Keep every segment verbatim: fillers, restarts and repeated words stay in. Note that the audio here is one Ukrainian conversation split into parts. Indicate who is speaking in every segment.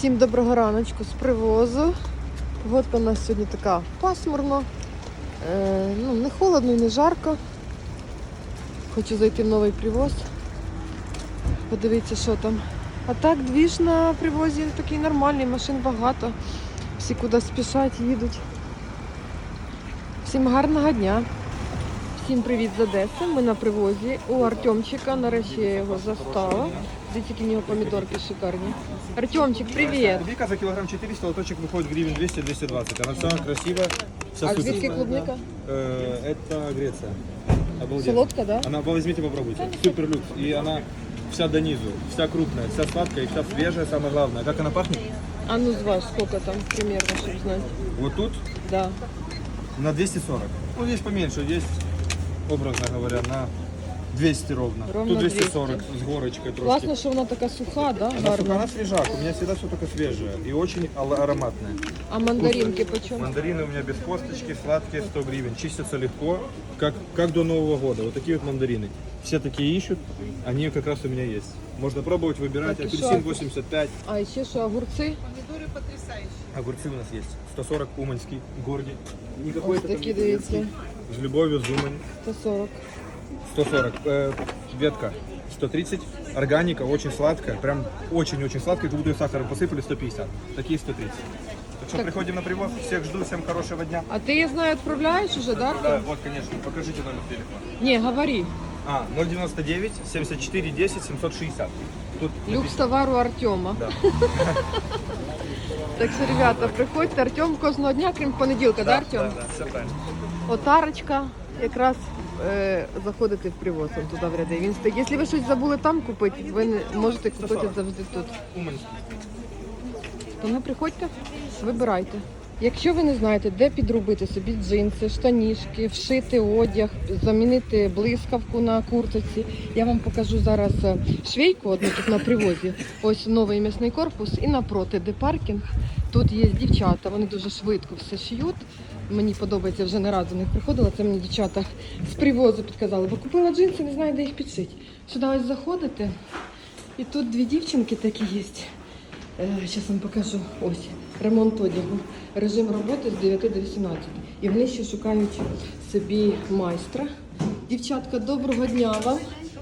Speaker 1: Всім доброго раночку з привозу. Погодка у нас сьогодні така пасмурно. Е, ну, не холодно і не жарко. Хочу зайти в новий привоз. Подивіться, що там. А так, двіж на привозі такий нормальний, машин багато. Всі куди спішать, їдуть. Всім гарного дня. Всім привіт з Одеси. Ми на привозі у Артемчика. Нарешті я його застала. Дивіться, які в нього помідорки шикарні. Артемчик, привіт!
Speaker 2: Клубника за килограмм четыреста, лоточек выходит гривен двести — двести двадцать. Она вся красивая. Вся
Speaker 1: А
Speaker 2: супер.
Speaker 1: звідки клубника?
Speaker 2: Э, Это Греция. Обалдеть.
Speaker 1: Солодка, да?
Speaker 2: Она, возьмите, попробуйте. Супер люкс. И она вся до низу, вся крупная, вся сладкая и вся свежая, самое главное. Как она пахнет?
Speaker 1: А ну зваж, сколько там примерно, чтобы знать.
Speaker 2: Вот тут
Speaker 1: Да.
Speaker 2: на двести сорок. Ну, здесь поменьше, здесь, образно говоря, на двести ровно.
Speaker 1: Ровно
Speaker 2: Тут двести сорок
Speaker 1: двести.
Speaker 2: с горочкой трошки.
Speaker 1: Классно, что она такая суха, да?
Speaker 2: Она, сука,
Speaker 1: Гарно.
Speaker 2: она свежак. У меня всегда все только свежее и очень ал- ароматное.
Speaker 1: А мандаринки почем?
Speaker 2: Мандарины у меня без косточки, сладкие, сто гривен. Чистятся легко, как, как до Нового года. Вот такие вот мандарины. Все такие ищут, они как раз у меня есть. Можно пробовать, выбирать.
Speaker 1: Так, и
Speaker 2: Апельсин
Speaker 1: шо?
Speaker 2: восемьдесят пять.
Speaker 1: А еще что, огурцы?
Speaker 2: Огурцы у нас есть. сто сорок уманский, гордий. Никакой
Speaker 1: Ось
Speaker 2: это
Speaker 1: такі,
Speaker 2: там
Speaker 1: дивіться.
Speaker 2: немецкий. С любовью, с Умань.
Speaker 1: сто сорок.
Speaker 2: сто сорок. Э, ветка сто тридцать. Органика, очень сладкая. Прям очень-очень сладкая. Как будто её сахаром посыпали. сто пятьдесят. Такие сто тридцать. Так что
Speaker 1: Так.
Speaker 2: приходим на привоз. Всех жду. Всем хорошего дня.
Speaker 1: А ты, я знаю, отправляешь уже, да?
Speaker 2: Да, вот, конечно. Покажите номер телефона.
Speaker 1: Не, говори.
Speaker 2: А, ноль девяносто девять семьдесят четыре десять семьсот шестьдесят. Тут
Speaker 1: Люкс товару Артема.
Speaker 2: Да.
Speaker 1: Так що, ребята, приходьте. Артем кожного дня, крім понеділка, да, Артем?
Speaker 2: Да, да, все правильно.
Speaker 1: Отарочка, якраз е, заходите в привоз, он туди в ряди. Він стоїть. Якщо ви щось забули там купити, ви не можете купити завжди тут.
Speaker 2: Уманский.
Speaker 1: Тому приходьте, вибирайте. Якщо ви не знаєте, де підробити собі джинси, штанішки, вшити одяг, замінити блискавку на куртці, я вам покажу зараз швейку одну тут на привозі. Ось новий м'ясний корпус і напроти, де паркінг. Тут є дівчата, вони дуже швидко все шиють. Мені подобається, вже не раз до них приходила, це мені дівчата з привозу підказали, бо купила джинси, не знаю, де їх підшити. Сюди ось заходите, і тут дві дівчинки такі є. Зараз вам покажу. Ось, ремонт одягу. Режим роботи з дев'яти до вісімнадцяти. І вони ще шукають собі майстра. Дівчатка, доброго дня вам.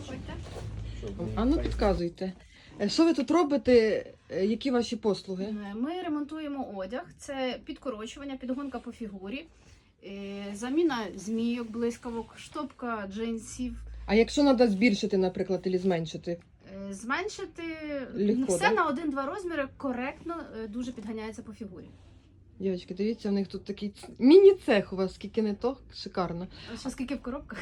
Speaker 1: А ну підказуйте. Що ви тут робите? Які ваші послуги?
Speaker 3: Ми ремонтуємо одяг, це підкорочування, підгонка по фігурі, е, заміна змійок, блискавок, штопка джинсів,
Speaker 1: А якщо треба збільшити, наприклад, або зменшити?
Speaker 3: е, зменшити
Speaker 1: Легко,
Speaker 3: все
Speaker 1: да?
Speaker 3: на один-два розміри коректно, е, дуже підганяється по фігурі.
Speaker 1: Дівчатки, дивіться, у них тут такий ц- міні-цех у вас, скільки не то, шикарно.
Speaker 3: Ось скільки в коробках.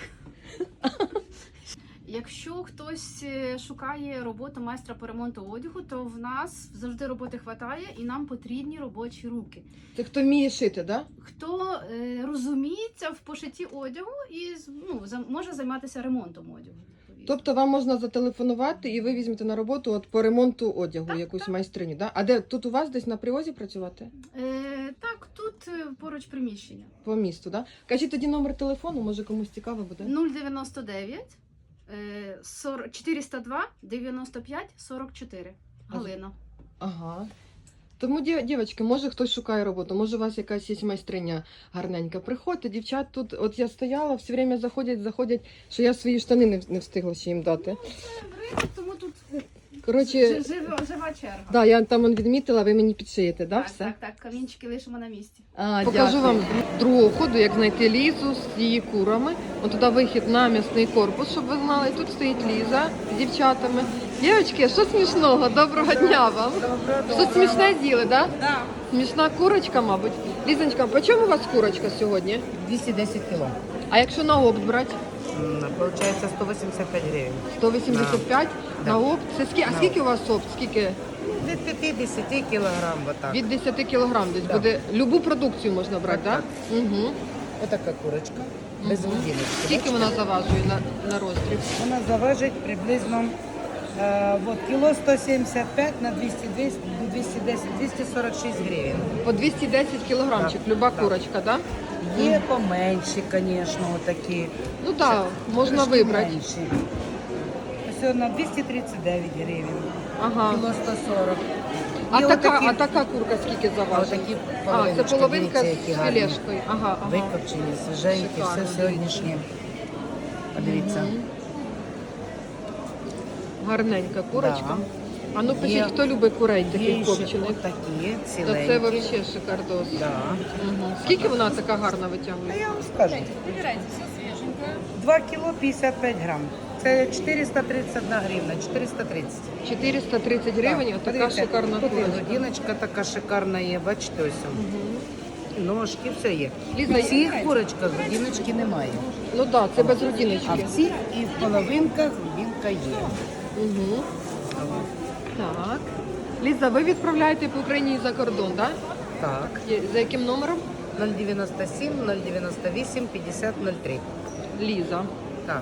Speaker 3: Якщо хтось е, шукає роботу майстра по ремонту одягу, то в нас завжди роботи вистачає і нам потрібні робочі руки.
Speaker 1: Це хто вміє шити, так? Да?
Speaker 3: Хто е, розуміється в пошитті одягу і з- ну, за- може займатися ремонтом одягу. відповідно.
Speaker 1: Тобто вам можна зателефонувати і ви візьмете на роботу от по ремонту одягу
Speaker 3: Так,
Speaker 1: якусь майстриню, да? А де тут у вас десь на привозі працювати?
Speaker 3: Е, так, тут е, поруч приміщення.
Speaker 1: По місту, да? Кажіть тоді номер телефону, може комусь цікаво буде.
Speaker 3: нуль дев'яносто дев'ять е, сорок чотириста два дев'яносто п'ять сорок чотири. Галина.
Speaker 1: Ага. Тому, дів- дівчатки, може хтось шукає роботу, може у вас якась є майстриня гарненька. Приходьте, дівчат тут, от я стояла, все время заходять, заходять, що я свої штани не, не встигла ще їм дати.
Speaker 3: Ринок, тому тут
Speaker 1: Коротше,
Speaker 3: жи- жива, жива черга.
Speaker 1: да, я там он відмітила, ви мені підшиєте, да,
Speaker 3: так,
Speaker 1: все?
Speaker 3: так, так, камінчики лишимо на місці.
Speaker 1: А, покажу вам з другого ходу, як знайти Лізу з її курами. От туди вихід на м'ясний корпус, щоб ви знали. Тут стоїть Ліза з дівчатами. Дівчатки, що смішного? Доброго дня вам. Що смішне з'їли, да?
Speaker 4: Да,
Speaker 1: Смішна курочка, мабуть. Лізонька, по чому у вас курочка сьогодні?
Speaker 4: двести десять кило.
Speaker 1: А якщо на опт брати?
Speaker 4: М, Получается сто восемьдесят пять гривен.
Speaker 1: сто вісімдесят п'ять
Speaker 4: Да.
Speaker 1: на опт. Це скільки? А
Speaker 4: На
Speaker 1: скільки у вас опт? Скільки?
Speaker 4: Від п'ятдесят килограмм вот так.
Speaker 1: Від десяти кілограм десь
Speaker 4: Да.
Speaker 1: буде. Любу продукцію можна брати, так?
Speaker 4: Так,
Speaker 1: Да? Угу.
Speaker 4: Вот такая курочка. Без грудиночки.
Speaker 1: Скільки вона заважує на, на розстріл?
Speaker 4: Вона заважить приблизно э, вот, кило сто семьдесят пять на двести, двести, двести десять, двести сорок шесть гривен.
Speaker 1: По двісті десять кілограмчик,
Speaker 4: Да.
Speaker 1: люба
Speaker 4: Да.
Speaker 1: курочка, так? Да?
Speaker 4: Є поменші, конечно, вот такі.
Speaker 1: Ну так, да, можна
Speaker 4: Трошки
Speaker 1: вибрати.
Speaker 4: менші. Ось на двести тридцять дев'ять гривень.
Speaker 1: Ага.
Speaker 4: Кіло сто сорок.
Speaker 1: А
Speaker 4: І
Speaker 1: така,
Speaker 4: отакі-
Speaker 1: а така курка скільки
Speaker 4: А
Speaker 1: заважить?
Speaker 4: отакі
Speaker 1: А, це
Speaker 4: половиночки,
Speaker 1: половинка
Speaker 4: дивіться,
Speaker 1: з
Speaker 4: які гарні.
Speaker 1: філешкою. Ага, ага.
Speaker 4: Викопчені, свіженькі,
Speaker 1: Шикарно,
Speaker 4: все сьогоднішнє. Подивіться.
Speaker 1: Мгм. Гарненька курочка.
Speaker 4: Да.
Speaker 1: А ну пишіть,
Speaker 4: Є-
Speaker 1: хто любить курей
Speaker 4: Є
Speaker 1: таких
Speaker 4: ще
Speaker 1: копчених.
Speaker 4: отакі,
Speaker 1: То
Speaker 4: ціленькі.
Speaker 1: це взагалі шикардос.
Speaker 4: Да.
Speaker 1: Мгм. Скільки вона така гарна
Speaker 4: А
Speaker 1: витягує?
Speaker 4: я вам скажу. два кіло п'ятдесят п'ять грам. Це чотириста тридцять одна гривна, чотириста тридцять.
Speaker 1: чотириста тридцять гривень,
Speaker 4: Так,
Speaker 1: отака
Speaker 4: подивіться,
Speaker 1: шикарна
Speaker 4: тут і
Speaker 1: курочка.
Speaker 4: годиночка така шикарна є, бачите, ось. Ножки, все є.
Speaker 1: Ліза,
Speaker 4: В цих курочках годиночки немає.
Speaker 1: Ну так, да, це без
Speaker 4: А
Speaker 1: родиночки.
Speaker 4: в цих і в половинках годинка є.
Speaker 1: Угу. Так. Ліза, ви відправляєте по Україні і за кордон, так?
Speaker 4: Так.
Speaker 1: Да? За яким номером?
Speaker 4: нуль дев'яносто сім, нуль дев'яносто вісім, п'ятдесят нуль три.
Speaker 1: Ліза.
Speaker 4: Так.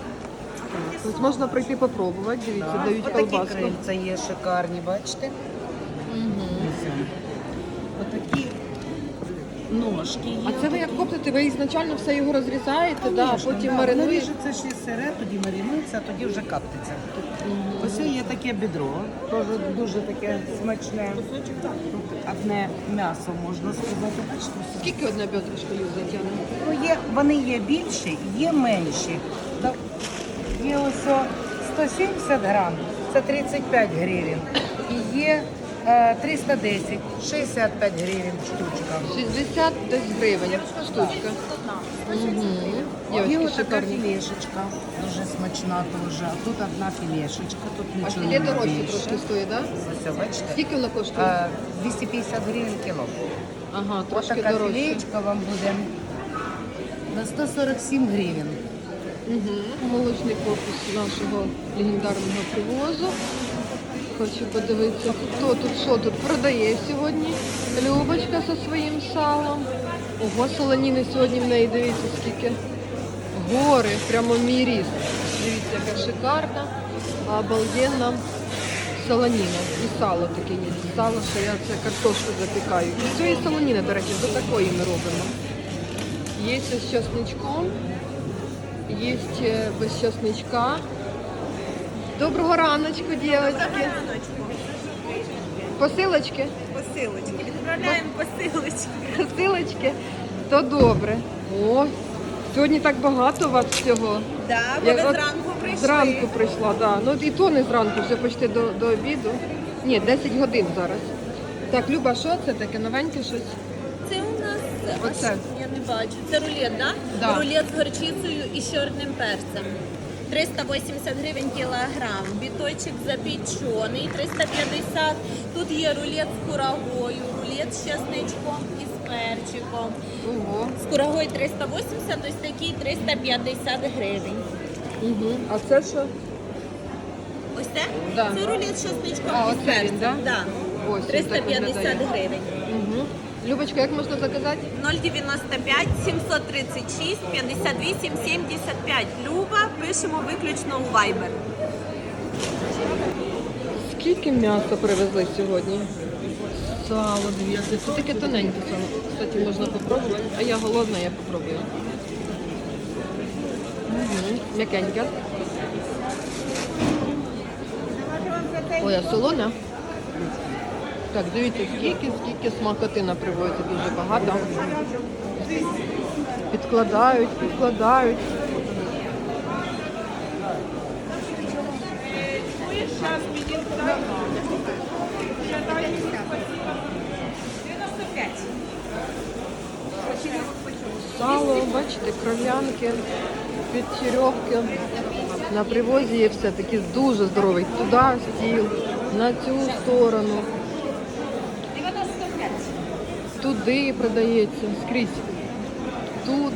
Speaker 1: Ось можна прийти попробувати, дивіться,
Speaker 4: Так.
Speaker 1: дають
Speaker 4: Отакі
Speaker 1: колбаску.
Speaker 4: крильця є шикарні, бачите?
Speaker 1: Угу.
Speaker 4: Отакі ножки є.
Speaker 1: А це ви як коптите, ви ізначально все його розрізаєте, да, а
Speaker 4: Конечно,
Speaker 1: потім
Speaker 4: да.
Speaker 1: маринуєте?
Speaker 4: Наріжеться ще сире, тоді маринується, а тоді вже каптиться. Ось є таке бідро, теж дуже таке смачне. Тут одне м'ясо, можна сказати. Бачите, все.
Speaker 1: Скільки одна бедрышко Ліза тягне?
Speaker 4: Ну, є, вони є більші, є менші. Так, є ось о сто сімдесят грам, це тридцять п'ять гривень. І є е, триста десять, шістдесят п'ять гривень штучка.
Speaker 1: шістдесят десь гривень штучка. Угу.
Speaker 4: Є
Speaker 1: Дівчатки,
Speaker 4: ось така
Speaker 1: шикарні.
Speaker 4: філешечка, дуже смачна теж. А тут одна філешечка, тут
Speaker 1: А
Speaker 4: нічого
Speaker 1: філе
Speaker 4: не
Speaker 1: дорожче
Speaker 4: більше.
Speaker 1: трошки стоїть, так? Да?
Speaker 4: Ось, бачите?
Speaker 1: Скільки вона коштує?
Speaker 4: Е, двісті п'ятдесят гривень кіло.
Speaker 1: Ага,
Speaker 4: Ось
Speaker 1: трошки
Speaker 4: така
Speaker 1: дорожче.
Speaker 4: філеєчка вам буде на сто сорок сім гривень.
Speaker 1: Угу. Молочний корпус нашого легендарного привозу. Хочу подивитися, хто тут, що тут продає сьогодні. Любочка зі своїм салом. Ого, солоніни сьогодні в неї, дивіться, скільки. Гори, прямо мій ріст. Дивіться, яка шикарна, обалденна солоніна. І сало таке є. Сало, що я це картошку запікаю. І цієї солоніни, до речі, до такої ми робимо. Є з чесничком, є без чесничка. Доброго раночку, дівчатки. Посилочки?
Speaker 5: Посилочки. Відправляємо посилочки.
Speaker 1: Посилочки? То добре. О, сьогодні так багато у вас всього.
Speaker 5: Да, бо
Speaker 1: Я
Speaker 5: ви
Speaker 1: от
Speaker 5: зранку прийшли.
Speaker 1: Зранку прийшла, да. Ну і то не зранку, вже почти до, до обіду. Ні, десять годин зараз. Так, Люба, що це таке? Новеньке щось?
Speaker 5: Це у нас
Speaker 1: Оце.
Speaker 5: аж я не бачу. Це рулет, да?
Speaker 1: Да.
Speaker 5: Рулет з горчицею і з чорним перцем. триста вісімдесят гривень кілограм. Біточок запечений, триста п'ятдесят. Тут є рулет з курагою, рулет з чесничком і з перчиком.
Speaker 1: Ого.
Speaker 5: З курагою триста вісімдесят, ось такий триста п'ятдесят гривень.
Speaker 1: Угу. А це що?
Speaker 5: Ось це?
Speaker 1: Да.
Speaker 5: Це рулет з чесничком
Speaker 1: А,
Speaker 5: і з
Speaker 1: оце
Speaker 5: перцем.
Speaker 1: він, да?
Speaker 5: Да.
Speaker 1: Ось він так
Speaker 5: триста п'ятдесят
Speaker 1: виглядає.
Speaker 5: гривень.
Speaker 1: Угу. Любочка, як можна заказати?
Speaker 5: нуль дев'яносто п'ять сімсот тридцять шість п'ятдесят вісім сімдесят п'ять. Люба, пишемо виключно у Viber.
Speaker 1: Скільки м'яса привезли сьогодні? Сало, дивіться. Це таке тоненьке сало. Кстати, можна попробувати. А я голодна, я попробую. Угу. М'якеньке. Ой, а солоне. Так, дивіться, скільки, скільки смакотина привозять, дуже багато. Підкладають, підкладають. Сало, бачите, кров'янки, підчерьовки. На привозі є все таки дуже здоровий. Туди стіл, на цю сторону. Туди продається, скрізь. Тут.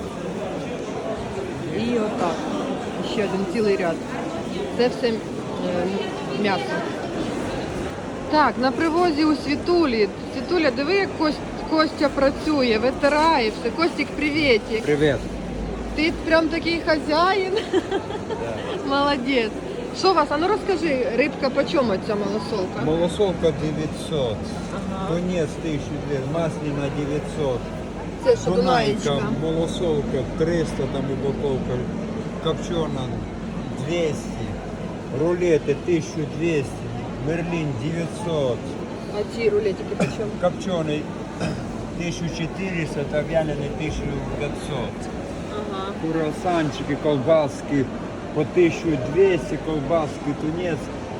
Speaker 1: І отак. Ще один цілий ряд. Це все е, м'ясо. Так, на привозі у Світулі. Світуля, диви, як Кость, Костя працює, витирає все. Костік, привітик.
Speaker 2: Привет.
Speaker 1: Ти прям такий хазяїн. Молодець. Що у вас? А ну розкажи, рибка по чому ця малосолка?
Speaker 6: Малосолка девятьсот, тунец тысяча двести, маслина девятьсот,
Speaker 1: Це що,
Speaker 6: дунаечка,
Speaker 1: дунаєчка?
Speaker 6: малосолка триста, там упаковка, копчена двести, рулеты тысяча двести, мерлин девятьсот,
Speaker 1: А ці рулетики по чому?
Speaker 6: Копченый тысяча четыреста, это вяленый тысяча пятьсот.
Speaker 1: Ага.
Speaker 6: Круассанчики, колбаски по тысяча двести, колбаски, тунец.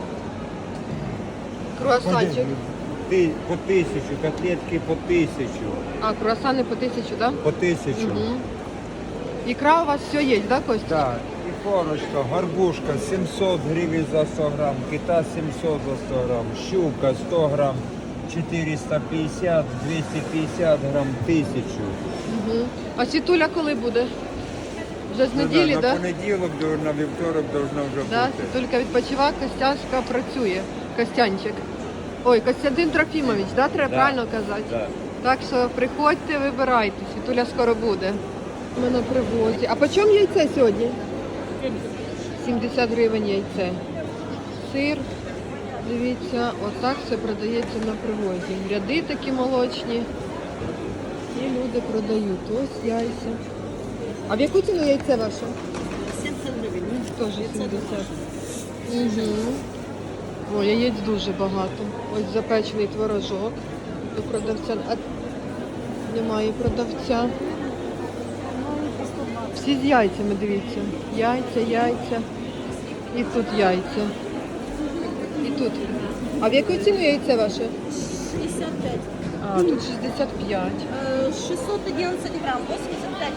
Speaker 1: Круасанчик.
Speaker 6: Ты по тысячу, котлетки по тысячу.
Speaker 1: А, круасани по тисячу, так?
Speaker 6: По тысячу.
Speaker 1: Угу. Ікра у вас все є, да, Костя?
Speaker 6: Да. И корочка, горбушка семьсот гривен за сто грамм, кита семьсот за сто грамм, щука сто грамм, четыреста пятьдесят, двести пятьдесят грамм, тысячу.
Speaker 1: Угу. А світуля коли буде? Вже з неділі,
Speaker 6: на
Speaker 1: так? Да?
Speaker 6: понеділок, на вівторок должна вже
Speaker 1: Да,
Speaker 6: бути.
Speaker 1: Світулька відпочива, Костяшка працює. Костянчик. Ой, Костянтин Трофімович, да, треба
Speaker 6: Да.
Speaker 1: правильно казати?
Speaker 6: Да.
Speaker 1: Так що приходьте, вибирайте. Світуля скоро буде. Ми на привозі. А по чому яйце сьогодні? сімдесят гривень яйце. Сир. Дивіться, отак все продається на привозі. Ряди такі молочні. І люди продають. Ось яйця. А в яку ціну яйце ваше?
Speaker 5: сімдесят гривень.
Speaker 1: Теж сімдесят. Угу. О, яєць дуже багато. Ось запечений творожок. До продавця. А немає продавця. Всі з яйцями, дивіться. Яйця, яйця. І тут яйця. І тут. А в яку ціну яйце ваше?
Speaker 5: шістдесят п'ять.
Speaker 1: А, тут шістдесят п'ять.
Speaker 5: Э, шестьсот одиннадцать грамм, восемьдесят пять.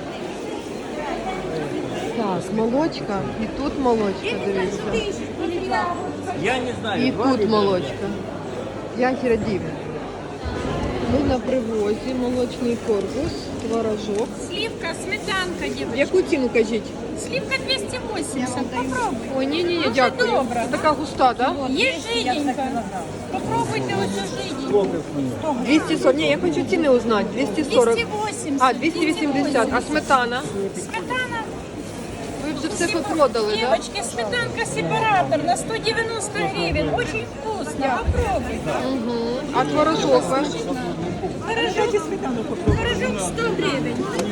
Speaker 1: Так, молочка. І тут молочка, дивіться.
Speaker 6: Я не знаю.
Speaker 1: І тут молочка. П'ять рядів. Ми на привозі, молочний корпус, творожок.
Speaker 7: Сливка, сметанка,
Speaker 1: В
Speaker 7: девочки.
Speaker 1: яку ціну кажіть?
Speaker 7: Сливка двести восемьдесят. Попробуй.
Speaker 1: Ой, ні-ні,
Speaker 7: Дуже
Speaker 1: дякую.
Speaker 7: добре.
Speaker 1: Це така густа, так? Да?
Speaker 7: Есть жиденько. Попробуйте уже жиденько.
Speaker 1: двісті сорок. Ні, я хочу ціни узнати. двісті сорок.
Speaker 7: двести восемьдесят.
Speaker 1: А, двісті вісімдесят. А сметана?
Speaker 7: Сметана.
Speaker 1: Ви вже все попродали, так? Да?
Speaker 7: Девочки, сметанка сепаратор на сто девяносто гривен. Очень вкусно. Попробуйте.
Speaker 1: Угу. А творожок ваш?
Speaker 7: Творожок, творожок сто гривен.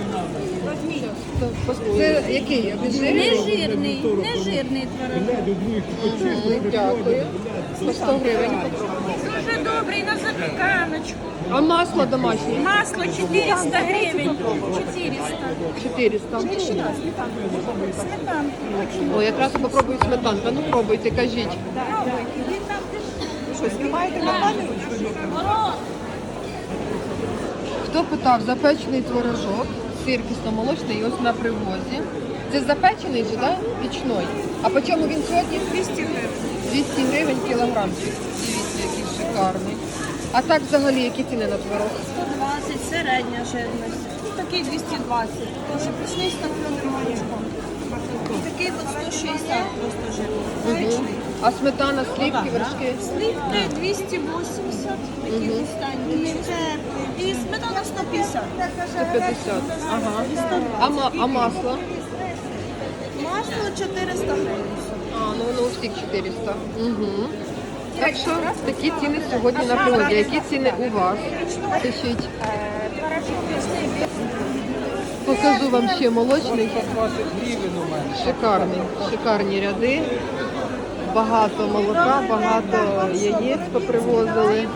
Speaker 1: Це який? Обезжирений?
Speaker 7: Нежирний, нежирний творожок.
Speaker 1: Мгм, дякую. По сто гривень.
Speaker 7: Дуже добрий на запіканочку.
Speaker 1: А масло домашнє?
Speaker 7: Масло четыреста гривен. четыреста.
Speaker 1: чотириста.
Speaker 7: Сметанка.
Speaker 1: О, якраз попробую сметанку. Ну пробуйте, кажіть.
Speaker 4: Що, знімаєте на камеру?
Speaker 1: Хто питав, запечений творожок, сир кисломолочний і ось на привозі. Це запечений же, да? Пічний. А по чому він сьогодні?
Speaker 7: двести гривен.
Speaker 1: двісті гривень кілограмчик. Дивіться, який шикарний. А так взагалі, які ціни на творог?
Speaker 5: сто двадцять, середня жирність. Такий двісті двадцять. Тоже пішли з топленим молочком. І такий от сто шістдесят просто жирний.
Speaker 1: Угу. А сметана, сливки, вершки?
Speaker 5: Сливки двісті вісімдесят, такі густенькі. І сметана сто п'ятдесят.
Speaker 1: сто п'ятдесят. Ага. А, ма- а масло?
Speaker 5: Масло чотириста гривень.
Speaker 1: А, ну воно у всіх чотириста. Угу. Так що такі ціни сьогодні на приводі. Які ціни у вас? Пишіть. Покажу вам ще молочний. Шикарний. Шикарні ряди. Багато молока, багато яєць попривозили.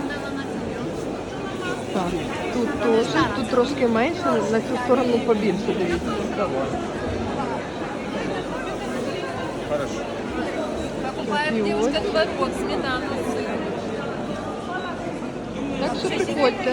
Speaker 1: Так, тут теж, тут трошки менше, на цю сторону побільше, дивіться. Такі ось. Так що приходьте.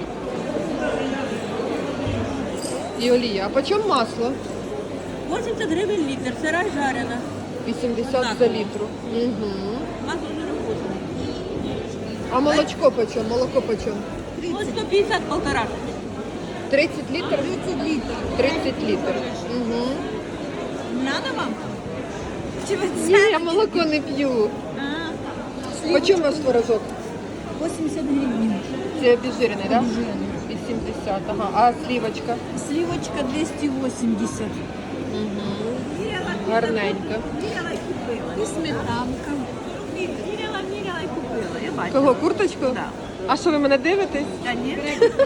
Speaker 1: І олія. А по чому масло?
Speaker 5: вісімдесят гривень літр, сира й жарена.
Speaker 1: вісімдесят за літру. Угу.
Speaker 5: Масло дуже вкусне.
Speaker 1: А молочко по чому? Молоко по чому?
Speaker 5: Ось сто п'ятдесят полтора.
Speaker 1: тридцять літрів?
Speaker 5: тридцять літрів.
Speaker 1: тридцять літрів. Угу.
Speaker 5: Надо вам? Чи ви
Speaker 1: Ні, я молоко не п'ю.
Speaker 5: А,
Speaker 1: По чому ваш творожок?
Speaker 5: вісімдесят гривень.
Speaker 1: Це обезжирений, так? вісімдесят, ага. А слівочка?
Speaker 5: Сливочка двісті вісімдесят.
Speaker 1: Угу. Гарненько.
Speaker 5: І сметанка. Міряла, міряла і купила. Я бачу.
Speaker 1: Кого, курточку?
Speaker 5: Да.
Speaker 1: А що ви мене дивитесь?
Speaker 5: А ні?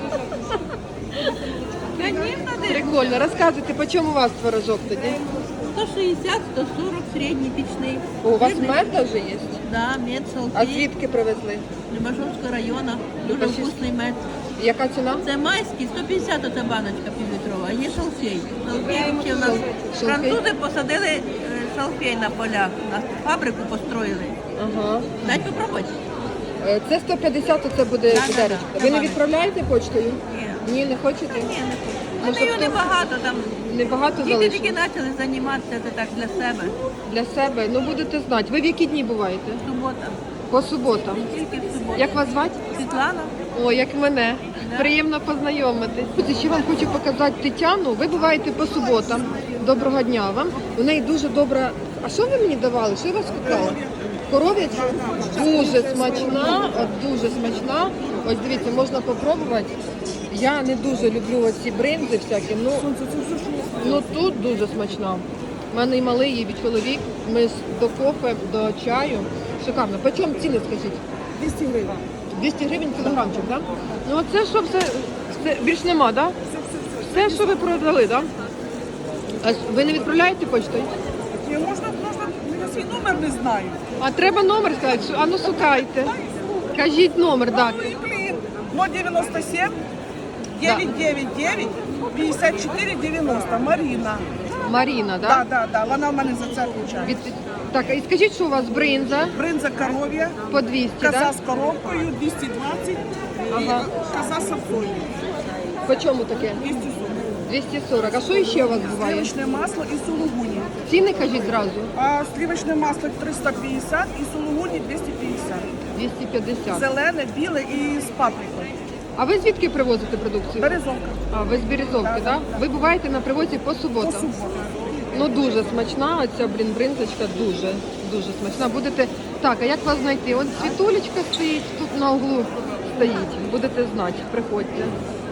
Speaker 5: Конечно,
Speaker 1: Прикольно. Розказуйте, по чому у вас творожок тоді?
Speaker 5: сто шістдесят, сто сорок, середній пічний.
Speaker 1: О, у вас
Speaker 5: Жирний.
Speaker 1: мед даже є?
Speaker 5: Да, мед,
Speaker 1: А
Speaker 5: салфей,
Speaker 1: звідки привезли?
Speaker 5: Любашовського району. Дуже
Speaker 1: Любашівський.
Speaker 5: вкусний мед.
Speaker 1: Яка ціна?
Speaker 5: Це майський, сто п'ятдесят оця баночка півлітрова, а є шалфей. Шалфей ще у нас
Speaker 1: Шалфей?
Speaker 5: французи посадили е, шалфей на полях, на фабрику построїли.
Speaker 1: Ага.
Speaker 5: Дать попробувати?
Speaker 1: Е, Це сто п'ятдесят, це буде
Speaker 5: Да, да,
Speaker 1: відеречко.
Speaker 5: да.
Speaker 1: Ви не
Speaker 5: Добавить.
Speaker 1: відправляєте почтою?
Speaker 5: Ні.
Speaker 1: Ні, не хочете?
Speaker 5: Ні, не хочу.
Speaker 1: Може,
Speaker 5: Продаю
Speaker 1: хто-
Speaker 5: небагато, там
Speaker 1: Небагато
Speaker 5: діти
Speaker 1: залишилось?
Speaker 5: тільки почали займатися, це так для себе.
Speaker 1: Для себе. Ну будете знати. Ви в які дні буваєте?
Speaker 5: Субота.
Speaker 1: По суботам.
Speaker 5: Тільки в суботу.
Speaker 1: Як вас звати?
Speaker 5: Світлана?
Speaker 1: О, як мене.
Speaker 5: Да.
Speaker 1: Приємно познайомитись. Друзі, ще вам хочу показати Тетяну. Ви буваєте по суботам. Доброго дня вам. У неї дуже добра. А що ви мені давали? Що я вас купила? Коров'ячу? Дуже смачна, от дуже смачна. Ось дивіться, можна попробувати. Я не дуже люблю оці бринзи всякі, ну, ну тут дуже смачна. У мене і малий, і чоловік. Ми з- до кофе, до чаю. Шикарно. По чому ціни, скажіть?
Speaker 8: двісті гривень.
Speaker 1: двісті гривень кілограмчик, так? Да? Ну оце що все, все більш нема, так? Да? Все, що ви продали, так? Да? А ви не відправляєте почтою?
Speaker 8: Ні, можна, можна, я свій номер не знаю.
Speaker 1: А треба номер сказати, що- а ну шукайте. Кажіть номер, так.
Speaker 8: Ну і блін. ноль дев'яносто сім дев'ять дев'ять дев'ять п'ятдесят чотири дев'яносто. Маріна.
Speaker 1: Маріна,
Speaker 8: Да,
Speaker 1: так?
Speaker 8: да, да, вона в мене за це включає.
Speaker 1: Від... Так, і скажіть, що у вас бринза
Speaker 8: Бринза коров'я,
Speaker 1: по двісті,
Speaker 8: коза
Speaker 1: так?
Speaker 8: з коробкою двісті двадцять
Speaker 1: Ага.
Speaker 8: і коза з сапсою
Speaker 1: По чому таке?
Speaker 8: двісті сорок.
Speaker 1: двісті сорок. А що ще у вас буває?
Speaker 8: Сливочне масло і сулугуні.
Speaker 1: Ціни кажіть зразу.
Speaker 8: А сливочне масло триста п'ятдесят і сулугуні двісті п'ятдесят.
Speaker 1: двісті п'ятдесят.
Speaker 8: Зелене, біле і з паприкою.
Speaker 1: А ви звідки привозите продукцію?
Speaker 8: Березовка.
Speaker 1: А, ви з Березовки, так? Да? Ви буваєте на привозі по
Speaker 8: По
Speaker 1: суботам?
Speaker 8: суботам.
Speaker 1: Ну дуже смачна, оця, блін, бринзочка дуже, дуже смачна. Будете. Так, а як вас знайти? От світулечка стоїть, тут на углу стоїть. Будете знати, приходьте.